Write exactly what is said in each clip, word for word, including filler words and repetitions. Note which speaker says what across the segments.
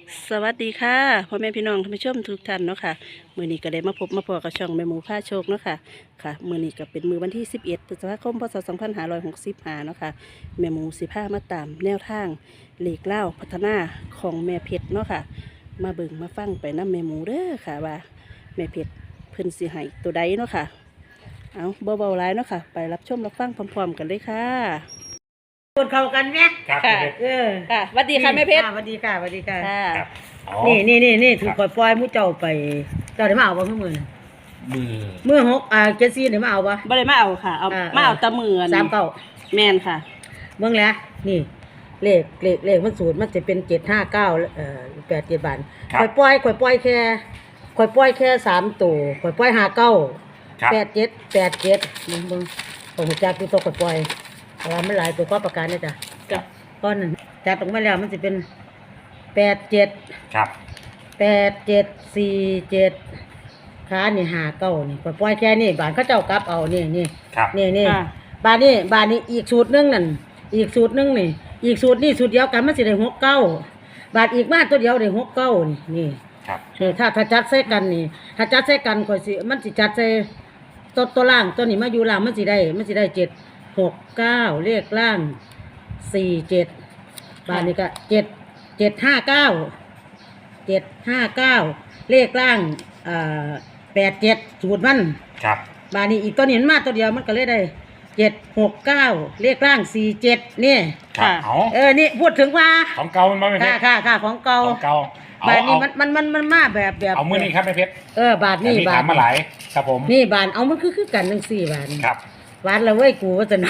Speaker 1: สวัสดีค่ะพ่อแม่พี่น้องท่านผู้ชมทุกท่านเนาะค่ะมื้อนี้ก็ได้มาพบมาพอกับช่องแม่หมูผ้าโชคเนาะค่ะค่ะมื้อนี้ก็เป็นมื้อวันที่สิบเอ็ดพฤษภาคมพศสองพันห้าร้อยหกสิบห้าเนาะค่ะแม่หมูสิพามาตามแนวทางเลขเล่าพัฒนาของแม่เพชรเนาะค่ะมาเบิ่งมาฟังไปน้ำแม่หมูเด้อค่ะว่าแม่เพชรเพิ่นสิให้ตัวใดเนาะค่ะเอาเบาๆหลายเนาะค่ะไปรับชมรับฟังพร้อมๆกันเลยค่ะ
Speaker 2: คนเข้ากันไหม
Speaker 3: ครับ
Speaker 1: ค่ะ
Speaker 3: เพชร
Speaker 2: เออ
Speaker 1: ค่ะสวัสดีค่ะแม่เพชร
Speaker 2: สวัสดีค่ะสวัสดีค่ะ
Speaker 1: ค่ะ
Speaker 3: ครับอ๋อ
Speaker 2: นี่นี่นี่นี่ถูก
Speaker 3: ครับ
Speaker 2: ปล่อยๆมู่เจ้าไป เจ้าได้มาเอาบ่เมื่อมื่อ
Speaker 3: มือ
Speaker 2: เมื่อหกอ่าเจ็ดสี่ได้มาเอาบ่
Speaker 1: บ่ได้มาเอาค่ะเอา
Speaker 2: อ่า
Speaker 1: มาเอาแตะมือ
Speaker 2: สามเก้า
Speaker 1: แม่นค่ะ
Speaker 2: เบิ่งแล้วนี่ เลขเลขเลขมันสูตรมันจะเป็นเจ็ดห้าเก้าเอ่อแปดเจ็ดบาท
Speaker 3: ครับ
Speaker 2: ข่อยปล่อยข่อยปล่อยแค่ข่อยปล่อยแค่สามตัวข่อยปล่อยห้าเก้า
Speaker 3: ครับ
Speaker 2: แปดเจ็ดแปดเจ็ดเบิ่งเบิ่งผมจักอยู่ตัวข่อยปล่อยเพราะว่ามันหลายตัวก็ประกันนะจ๊ะ
Speaker 1: จ้ะ
Speaker 2: ก้อนนั้นจัดออกมาแล้วมันจะเป็นแปดเจ็ด
Speaker 3: ครับ
Speaker 2: แปดเจ็ดสี่เจ็ดขานี่หาเก้านี่ปล่อยแค่นี้บานเขาเจ้ากลับเอานี่นี่
Speaker 3: ครับ
Speaker 2: นี่นี่
Speaker 1: ค่ะ
Speaker 2: บานนี้บานนี้อีกสูตรหนึงนั่นอีกสูตรหนึงนี่ อีกสูตรนี่สูตรเดียวกันมันสิได้หกเก้าบาทอีกมาตัวเดียวได้หกเก้านี่นี่
Speaker 3: ครับ
Speaker 2: นี่ถ้าถ้าจัดใส่กันนี่ ถ้าจัดใส่กันก็สิมันสิจัดใส่ตัวตัวล่างตัวนี้มาอยู่ล่างมันสิได้มันสิได้เจ็ดหกเก้าเลขล่างสี่เจ็ดบาทนี้ก็เจ็ดเจ็ดห้าเก้า เจ็ดห้าเก้าเลขล่างอ่าแปดเจ็ดสูตรมัน
Speaker 3: ครับ
Speaker 2: บานี้อีกตัวนี้มันมาตัวเดียวมันก็เลยได้เจ็ดหกเก้าเลขล่างสี่เจ็ดนี่
Speaker 3: ครับ
Speaker 1: ค่ะ
Speaker 3: เอา
Speaker 2: เออนี่พูดถึงว่า
Speaker 3: ของเก่ามันไม่เพ
Speaker 2: ค่ะ
Speaker 3: ชร
Speaker 2: ค่ะค่ะของเก่า
Speaker 3: ของเก่าเอา
Speaker 2: บาทนี้
Speaker 3: เอา
Speaker 2: มันมันมันมันมาแบบแบบ
Speaker 3: เอามือนี้ครับไม่เพชร
Speaker 2: เออบาท
Speaker 3: นี่
Speaker 2: นี่บา
Speaker 3: ถา
Speaker 2: ท
Speaker 3: มมาหลายครับผม
Speaker 2: นี่บาทเอามันคือคือกันทั้งสี่บาท
Speaker 3: ครับ
Speaker 2: บาทละเว้ยกูว่าจะนะ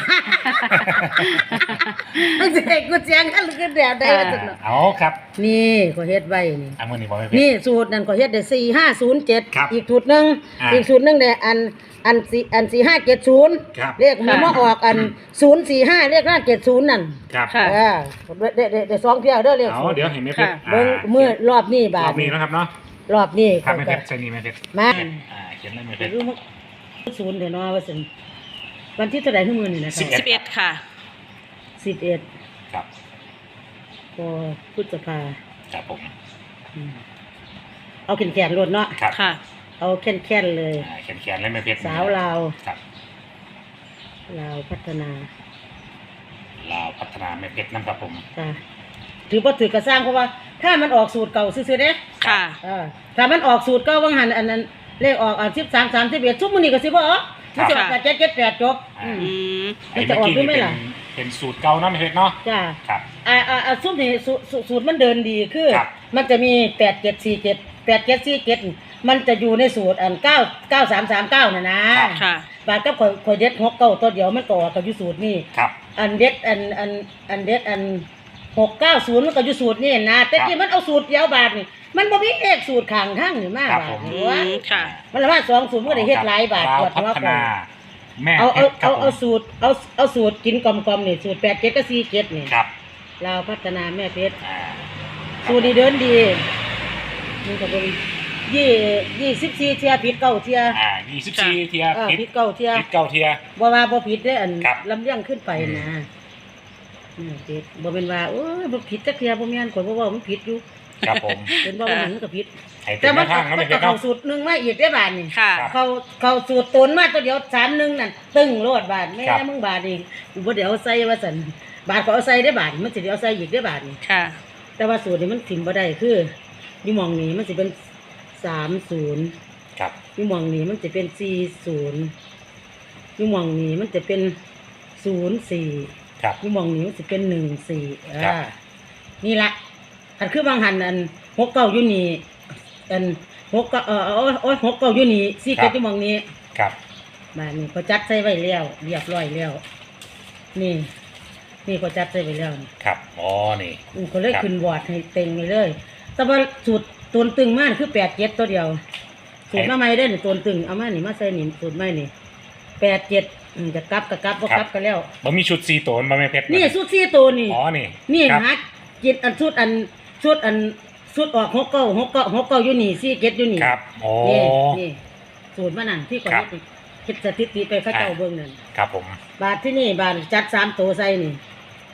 Speaker 2: มันจะให้กูเสียงกันหรือกันแดดได้ว่าจะนะ
Speaker 3: เอาครับ
Speaker 2: นี่ก็เฮ็ดไว้นี่
Speaker 3: เอามือนี้บอกไม่เพช
Speaker 2: นี่
Speaker 3: ร
Speaker 2: สูตรนั่นก็เฮ็ดได้สี่ห้าศูนย์เจ็ด
Speaker 3: ครับ
Speaker 2: อีกสูตรหนึ่ง
Speaker 3: อ่า
Speaker 2: อีกสูตรหนึ่งได้อันอันสี่อันสี่ห้าเจ็ดศูนย์
Speaker 3: ครับ
Speaker 2: เลขมันมาออกอันศูนย์สี่ห้าเลขหน้าเจ็ดศูนย์นั่น
Speaker 3: ครับ
Speaker 1: ค่ะ
Speaker 2: เออเด้เด้เด้สองเที่ยวเด้อเลข
Speaker 3: เอา
Speaker 2: ศูนย์
Speaker 3: เดี๋ยวเห็นไม่เพชร
Speaker 1: ค่ะ
Speaker 2: เบิ่งเมื่อรอบนี้
Speaker 3: ร
Speaker 2: บา
Speaker 3: อ
Speaker 2: ท
Speaker 3: บนี้นะครับเนาะ
Speaker 2: รอบนี้
Speaker 3: ครับไม่เพชรใช่นี่ไม่เพชร
Speaker 2: มา
Speaker 3: อ่าเขียนเลยไม่เพ
Speaker 2: เดี๋ย
Speaker 3: ช
Speaker 2: ว
Speaker 3: ร
Speaker 2: รู้มั้งศูนย์เดี๋ยวเนาะว่าซั่นวันที่เท่าไหร่ของมื้อนี่นะค
Speaker 3: สิ
Speaker 2: รั
Speaker 3: บบ เอ็ด
Speaker 1: สิบเอ็ดค่ะ
Speaker 2: สิบเอ็ด
Speaker 3: ครับ
Speaker 2: พอพฤษภา
Speaker 3: ครับผม
Speaker 2: อืมเอาแขนๆรวดเนาะ
Speaker 3: ครับ
Speaker 1: ค่ะ
Speaker 2: เอาแค่นๆเลย
Speaker 3: อ่าเขียนเขียนเลยไม่เพชร
Speaker 2: สาวลาว
Speaker 3: ครับ
Speaker 2: ลาวพัฒนา
Speaker 3: ลาวพัฒนาไม่เพชรนะครับผม
Speaker 2: ค่ะถือว่าถือกระสร้างเพราะว่า ถ้ามันออกสูตรเก่าซื่อๆเด้
Speaker 1: ค่ะ
Speaker 2: เออถ้ามันออกสูตรเก่าว่างหันอันนั้นเลขออกอ่ะสิบสามสามสิบเอ็ดทุกมื้อนี้ก็สิบ่ออกมันจะออกแต่เจ็ดเจ็ดแปดจบอืม
Speaker 1: อืม
Speaker 2: มันจะออกด้วยไหมล่ะ
Speaker 3: เป็นเป็นสูตรเก่าเนาะไม่เพชรเนาะ
Speaker 2: จ้า
Speaker 3: ครับ
Speaker 2: อ่าอ่าอ่าสูตรนี้สูสูสูตรมันเดินดีคือ
Speaker 3: ครับ
Speaker 2: มันจะมีแปดเจ็ดสี่เจ็ดแปดเจ็ดสี่เจ็ดมันจะอยู่ในสูตรอันเก้าเก้าสามสามเก้าน่ะนะ
Speaker 1: ค่ะ
Speaker 2: บาทก็ข่อยข่อยเด็ดหกเก้าตัวเดียวมันก็ออกกับอยู่สูตรนี่
Speaker 3: ครับ
Speaker 2: อันเด็ดอันอันอันเด็ดอันหกเก้าศูนย์มันก็อยู่สูตรนี่นะแต่ที่มันเอาสูตรเดียวบาทนี่มันบ่มีเลขสูตรข้างทั้งนี่มา
Speaker 3: ครับ
Speaker 2: บา
Speaker 3: ผ
Speaker 2: ท
Speaker 3: ม
Speaker 2: นี่
Speaker 1: อื
Speaker 2: วะ
Speaker 1: มค่ะ
Speaker 2: มันละว่าสองสูตรมันก็ได้เฮ็ดหลายบาท
Speaker 3: ลาว
Speaker 2: ปวด
Speaker 3: พั
Speaker 2: หัว
Speaker 3: ฒ
Speaker 2: ปว
Speaker 3: นา
Speaker 2: ด
Speaker 3: แม่
Speaker 2: เอา
Speaker 3: เพ
Speaker 2: เอา
Speaker 3: ชรครับ
Speaker 2: เอา
Speaker 3: ผ
Speaker 2: เอา
Speaker 3: ม
Speaker 2: สูตรเอาเอาสูตรกินกลมๆนี่สูตรแปดเจ็ดกับสี่เจ็ดนี่
Speaker 3: ครับ
Speaker 2: ลาวพัฒนาแม่เพชร
Speaker 3: อ่า
Speaker 2: สูตรดีเดินดีมันก็บ่มียี่ยี่สิบสี่เที่ยผิดเก้าเที่ย
Speaker 3: อ่ายี่สิบสี่เทีย
Speaker 2: เออ
Speaker 3: พิษ
Speaker 2: ผิดเก้าเที่ย
Speaker 3: พิษเก้าเทีย
Speaker 2: บ่ว่าบ่ผิดเด้ออัน
Speaker 3: ครับ
Speaker 2: ลำเลียงขึ้นไปนะอืมผิดบ่เป็นว่าโอ้ยบ่ผิดจักเที่ยบ่แม่นข่อยบ่เว้ามันผิดอยู่
Speaker 3: ครับผม
Speaker 2: เป็นบ่ว่ามันก็ผิด
Speaker 3: ให้เป็
Speaker 2: แต่
Speaker 3: น
Speaker 2: มั
Speaker 3: แม่
Speaker 2: น
Speaker 3: ทาง
Speaker 2: ก็
Speaker 3: เนาะ
Speaker 2: มั
Speaker 3: ไม่
Speaker 2: น
Speaker 3: เพ
Speaker 2: ก็
Speaker 3: ชร
Speaker 2: เข้า
Speaker 3: เนาะ
Speaker 2: สูตรหนึงมาอีกได้อบาดนี่
Speaker 1: ค่ะ
Speaker 2: เขาเขาสูตรตนมาตัวเดียวสามหนึ่งนั่นตึ้งโลดบาทแม่
Speaker 3: ครับ
Speaker 2: มึงบาทเองกูบ่เดี๋ยวเอาใส่ว่าซั่นบาทก็เอาใส่ได้บาทมันสิเดี๋ยวเอาใส่อีกได้บาทนี่
Speaker 1: ค่ะ
Speaker 2: แต่ว่าสูตรนี้มันถิ่มบ่ได้คืออยู่หม่องนี้มันสิเป็นสามศูนย์
Speaker 3: ครับ
Speaker 2: อยู่หม่องนี้มันจะเป็นสี่ศูนย์อยู่หม่องนี้มันจะเป็นศูนย์สี่
Speaker 3: ครับ
Speaker 2: อยู่หม่องนี้มันจะเป็นหนึ่งสี่
Speaker 3: ครับ
Speaker 2: อ่านี่ละอันคือบางหันอันหกเก้าอยู่นี่อันหกเก้าเออโอ้ยโอ้ยหกเก้าอยู่นี่สี่เจ็ดอยู่หม่องนี้
Speaker 3: ครับ
Speaker 2: บ้านนี้เขาจัดใส่ไว้แล้วเรียบร้อยแล้ว นี่ นี่เขาจัดใส่ไว้แล้วนี่
Speaker 3: ครับอ๋อนี่
Speaker 2: อืมเขาเลย
Speaker 3: ครับ
Speaker 2: ขึ้นบอร์ดให้เต็งเลย แต่ว่าสูตรตัวตึงมากคือแปดเจ็ดตัวเดียว สูตรมาใหม่ได้หนึ่งตัวตึงเอามาหนิมาใส่หนิสูตรใหม่นี่แปดเจ็ดจะกลับกับกลับก็กลับกันแล้ว
Speaker 3: มันมีชุดสี่ตัวมันไม่เพชร
Speaker 2: นี่สูตรสี่ตัวนี่
Speaker 3: อ๋อนี่
Speaker 2: นี่
Speaker 3: ครับ
Speaker 2: ฮักจิตอันสูตรอันสูตรอันสูตรออกหกเก้าหกเก้าหกเก้าอยู่นี่สี่เจ็ดอยู่นี่
Speaker 3: ครับโอ้
Speaker 2: นี่นี่สูตรมานั่นที่ก่อน
Speaker 3: ครับ
Speaker 2: นี้คิดสถิติไปเข้าเจ้าเบิ่งนั่น
Speaker 3: ครับผม
Speaker 2: บาทที่นี่บาทจัดสามตัวใส่นี่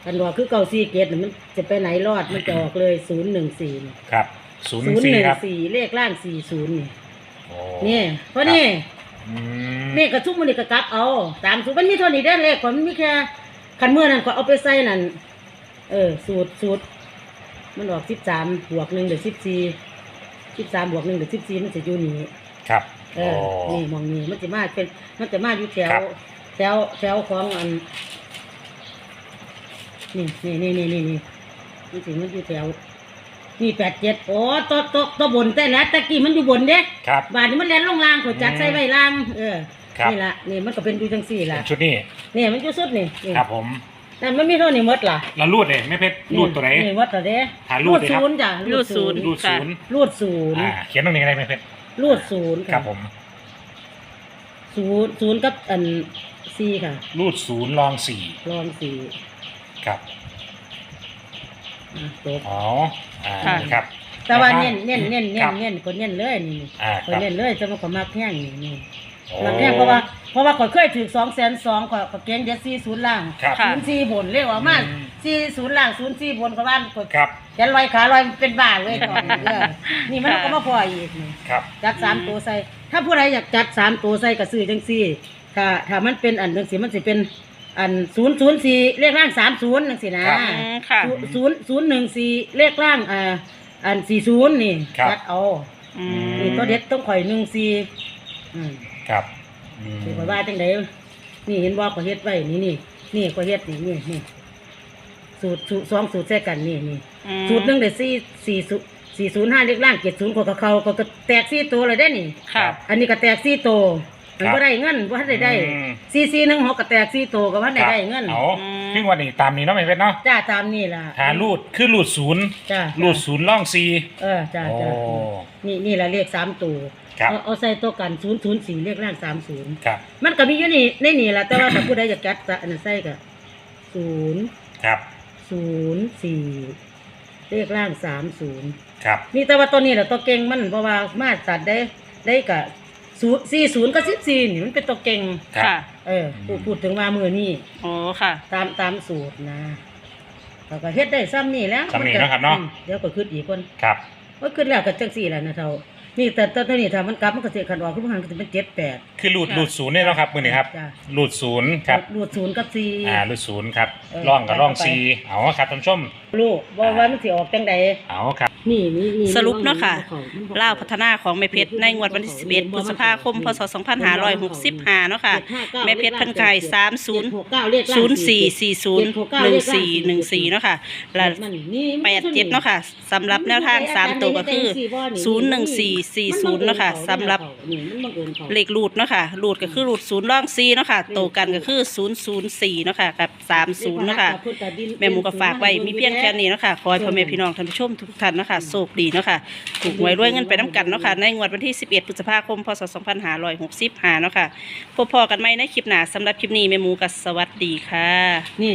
Speaker 2: กันว่าคือเก้าสี่เจ็ดน่ะมันจะไปไหนรอดมันจะออกเลยศูนย์หนึ่งสี่
Speaker 3: ครับศูนย์ห
Speaker 2: ศู
Speaker 3: นึ่ง
Speaker 2: นย์
Speaker 3: สี่
Speaker 2: หนึ่ง
Speaker 3: ครับ
Speaker 2: สี่เลขล่างสี่ศูนย์นี่
Speaker 3: โอ้
Speaker 2: นี่เพราะนี่
Speaker 3: อืม
Speaker 2: นี่กระทุกมันนี่กระกลับเอาตามสูตรมันมีเท่านี้ได้อเลขก่อนมันมีแค่คันเมื่อนั้นก็เอาไปใส่นั่นเออสูตรสูตรมันออกสิบสามบวกหนึ่งเดี๋ยวสิบสี่สิบสามบวกหนึ่งเดี๋ยวสิบสี่มันจะอยู่นี่
Speaker 3: ครับ
Speaker 2: เอ
Speaker 3: โอ้
Speaker 2: อนี่มองนี่มันจะมาเป็นมันจะมาอยู่แถว
Speaker 3: ครับ
Speaker 2: แถวแถวของอันนี่นี่นี่นี่นี่นี่มันถึงมันอยู่แถวนี่แปดเจ็ดโอ้ตัวตัวตัวบนแต่ละตะกี้มันอยู่บนเด้
Speaker 3: ครับ
Speaker 2: บาทนี้มันแล่นลงล่างขอจัด
Speaker 3: อืม
Speaker 2: ใส่ไว้ล่างเออ
Speaker 3: ครับ
Speaker 2: นี่ละนี่มันก็เป็นดูจังสี่
Speaker 3: เป็
Speaker 2: ละ
Speaker 3: นชุดนี้
Speaker 2: นี่มันอยู่สุดนี่นี่
Speaker 3: ครับผม
Speaker 2: นั่นมันมีเท่านี้หมดล่ะ
Speaker 3: แล้วรูดเลยแม่เพชรรูดตัวไหน
Speaker 2: นี่หมดตัวเด้
Speaker 3: หารูดเลยครับ
Speaker 2: ศูนย์จ้ะ
Speaker 1: รูดศูนย์
Speaker 3: รูดศูนย์
Speaker 2: รูดศูนย์
Speaker 3: อ่าเขียนตรงนี้อะไรแม่เพชร
Speaker 2: รูดศูนย์
Speaker 3: ครับผม
Speaker 2: ศูนย์ศูนย์กับอันสี่ค่ะ
Speaker 3: รูดศูนย์รองสี่
Speaker 2: ลองสี่
Speaker 3: ครับ
Speaker 2: อ่ะจบ
Speaker 3: อ๋ออ่า
Speaker 1: ค่ะ
Speaker 3: นี่ครับ
Speaker 2: แต่ว่าเน้นเน้นเน้นเน้
Speaker 3: คน รับ
Speaker 2: เน้นคนเน้นเลยนี่
Speaker 3: อ่า
Speaker 2: ค
Speaker 3: คน รับ
Speaker 2: เน้นเลยจะมาขอมากแพงนี่นี่
Speaker 3: โอ้
Speaker 2: มากแพงเพราะว่าเพราะว่าข่อยเคยถือสองแสนสองข่อยก็เก่งเด็ดสี่ศูนย์ล่าง
Speaker 3: ครับ
Speaker 1: ค่ะ
Speaker 2: ศูนย์สี่บนเรียกว่ามัน
Speaker 3: อืม
Speaker 2: สี่ศูนย์ล่างศูนย์สี่บนก็บ้านข่อย
Speaker 3: ครับ
Speaker 2: ยันลอยขาลอยเป็นบ้าเลยก่อนเออนี่มันก็มาพออีกนี่
Speaker 3: ครับ
Speaker 2: จัดสามตัวใส่ ถ้าผู้ใดอยากจัดสามตัวใส่ก็ซื้อจังซี่ ถ้าถ้ามันเป็นอันจังซี่มันสิเป็นอันศูนย์ศูนย์สี่เลขล่างสามศูนย์จังซี่นะครับ
Speaker 1: อืมค่ะ
Speaker 2: ศูนย์ศูนย์หนึ่งสี่เลขล่างอ่าอันสี่ศูนย์นี่
Speaker 3: ครับ
Speaker 2: จัดเอา
Speaker 1: อืม
Speaker 2: นี่ตัวเด็ดต้องข่อยหนึ่งสี่อืม
Speaker 3: ครับอืม
Speaker 2: สิข่อยว่าจังไดนี่เห็นว่าข่อยเฮ็ดไว้นี่นี่นี่ข่อยเฮ็ดนี่นี่นี่สูตรสูตรสองสูตรแท้กันนี่นี่
Speaker 1: อืม
Speaker 2: สูตรหนึ่งได้สี่สี่ศูนย์สี่ศูนย์ห้าเลขล่างเจ็ดศูนย์ของเขาก็ก็แตกสี่ตัวเลยได้นี่
Speaker 1: ค่ะ
Speaker 2: อันนี้ก็แตกสี่ตัวมันก็ได้เงินว่าได้ได้
Speaker 3: อืม
Speaker 2: สี่สี่หนึ่งหกก็แตกสี่ตัวก็ว่าได้ได้เงิน
Speaker 3: เอาครึ่งวันนี้ตามนี้เนาะแม่เพชรเนาะ
Speaker 2: จ้าตามนี่ล่ะ
Speaker 3: หารูดคือรูดศูนย์
Speaker 2: จ้า
Speaker 3: รูดศูนย์ร่องสี่
Speaker 2: เออจ้า
Speaker 3: โอ้
Speaker 2: จ้านี่นี่ละเลขสามตัว
Speaker 3: ครับ
Speaker 2: เอาเอาใส่ตัวกันศูนย์ศูนย์สี่เลขล่างสามศูนย์
Speaker 3: ครับ
Speaker 2: มันก็มีอยู่นี่ในนี่ล่ะแต่ว่าถ้าผู้ใดอยากจัดจะอันนั้นใส่ก็ศูนย์
Speaker 3: ครับ
Speaker 2: ศูนย์สี่เลขล่างสามศูนย์
Speaker 3: ครับ
Speaker 2: นี่แต่ว่าตัวนี้แหละตัวเก่งมันเพราะว่ามาตัดได้ได้กับศูนย์สี่ศูนย์กับสิบสี่นี่มันเป็นตัวเก่ง
Speaker 3: ครับ
Speaker 1: ค่ะ
Speaker 2: เออพูดพูดถึงว่ามือนี่
Speaker 1: โอ้ค่ะ
Speaker 2: ตามตามสูตรนะเขาก็เฮ็ดได้ซ้ำนี่แล้ว
Speaker 3: ซ้ำนี่เนาะครับเนาะ
Speaker 2: อืมเดี๋ยวก็ขึ้นอีกคน
Speaker 3: ครับ
Speaker 2: ว่าขึ้นแล้วก็จังสี่แหละนะเท่านี่แต่แต่ตัวนี้ถ้ามันกลับมันก็เสียขันออกขึ้นมาก็จะเป็นเจ็ดแปด
Speaker 3: คือรูดรูดศูนย์เนี่ยเนาะครับมือนี้ครับ
Speaker 2: จ้ะ
Speaker 3: รูดศูนย์ครับ
Speaker 2: รูดศูนย์กับสี่
Speaker 3: อ่ารูดศูนย์ครับ
Speaker 2: เออ
Speaker 3: ร่องกับร่อง
Speaker 2: ไปไป
Speaker 3: ซีเอาครับท่านผู้ชม
Speaker 2: ลูกบอกว่ามันสิออกจังใด
Speaker 3: เอาครับ
Speaker 2: นี่นี่นี่
Speaker 1: สรุปเนาะค่ะ
Speaker 2: มันบ่เข้
Speaker 1: ล่าวพัฒนาของแม่เพชรในงวดวันที่สิบเอ็ดพฤษภาคมพศสองพันห้าร้อยหกสิบห้าเนาะค่ะ แม่เพชรเพันไข่สามศูนย์
Speaker 2: เจ็ดหกเก้าเลขล่าง
Speaker 1: ศูนย์สี่สี่ศูนย์หนึ่งสี่หนึ่งสี่เนาะค่ะและ
Speaker 2: มันนี่
Speaker 1: แปดเจ็ดเนาะค่ะสำหรับแนวทางสามตัวก็คือศูนย์หนึ่งสี่สี่ศูนย์เนาะค่ะสำหรับ เลขรูดเนาะค่ะรูดก็คือรูดศูนย์ร่องซีเนาะค่ะโตกันก็คือศูนย์ศูนย์สี่เนาะค่ะกับสามศูนย์เนาะค่ะแม่หมูก็ฝากไว้มีเพียงแค่นี้เนาะค่ะขอให้พ่อแม่พี่น้องท่านผู้ชมทุกท่านเนาะค่ะโชคดีเนาะค่ะถูกหวยรวยเงินไปน้ำกันเนาะค่ะในงวดวันที่สิบเอ็ดพฤษภาคมพศสองพันห้าร้อยหกสิบห้าเนาะค่ะพบพอกันไหมในคลิปหน้าสำหรับคลิปนี้แม่หมูก็สวัสดีค่ะ